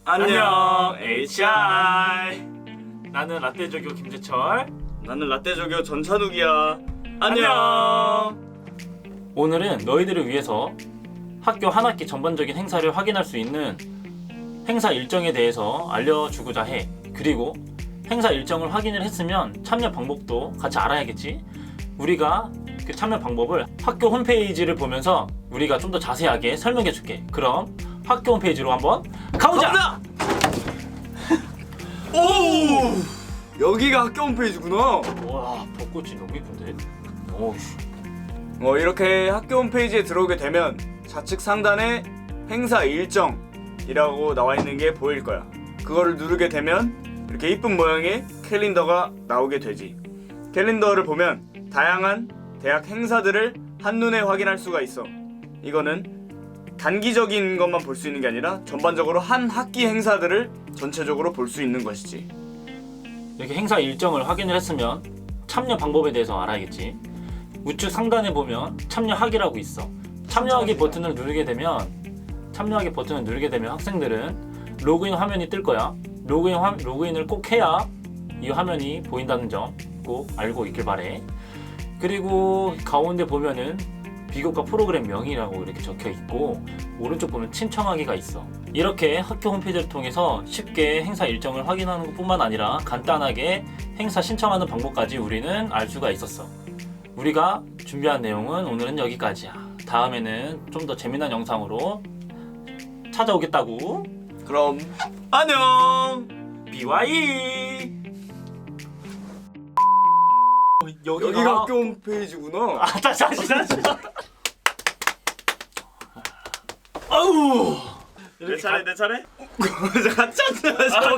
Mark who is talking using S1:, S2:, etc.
S1: 안녕 HI.
S2: 나는 라떼조교 김재철.
S1: 나는 라떼조교 전찬욱이야. 안녕.
S2: 오늘은 너희들을 위해서 학교 한 학기 전반적인 행사를 확인할 수 있는 행사 일정에 대해서 알려주고자 해. 그리고 행사 일정을 확인을 했으면 참여 방법도 같이 알아야겠지. 우리가 그 참여 방법을 학교 홈페이지를 보면서 우리가 좀 더 자세하게 설명해 줄게. 그럼 학교 홈페이지로 한번 가보자!
S1: 오! 여기가 학교 홈페이지구나.
S2: 와, 벚꽃이 너무 예쁜데? 오우씨.
S1: 이렇게 학교 홈페이지에 들어오게 되면 좌측 상단에 행사 일정이라고 나와 있는 게 보일 거야. 그거를 누르게 되면 이렇게 이쁜 모양의 캘린더가 나오게 되지. 캘린더를 보면 다양한 대학 행사들을 한눈에 확인할 수가 있어. 이거는 단기적인 것만 볼 수 있는 게 아니라 전반적으로 한 학기 행사들을 전체적으로 볼 수 있는 것이지.
S2: 이렇게 행사 일정을 확인을 했으면 참여 방법에 대해서 알아야겠지. 우측 상단에 보면 참여하기라고 있어. 참여하기 버튼을 누르게 되면 학생들은 로그인 화면이 뜰 거야. 로그인을 꼭 해야 이 화면이 보인다는 점 꼭 알고 있길 바래. 그리고 가운데 보면은 비교과 프로그램 명이라고 이렇게 적혀 있고 오른쪽 보면 신청하기가 있어. 이렇게 학교 홈페이지를 통해서 쉽게 행사 일정을 확인하는 것뿐만 아니라 간단하게 행사 신청하는 방법까지 우리는 알 수가 있었어. 우리가 준비한 내용은 오늘은 여기까지야. 다음에는 좀 더 재미난 영상으로 찾아오겠다고.
S1: 그럼 안녕.
S2: BY.
S1: 여기가 학교 홈페이지구나.
S2: 다시. 아우.
S1: 내 차례. 같이 앉아.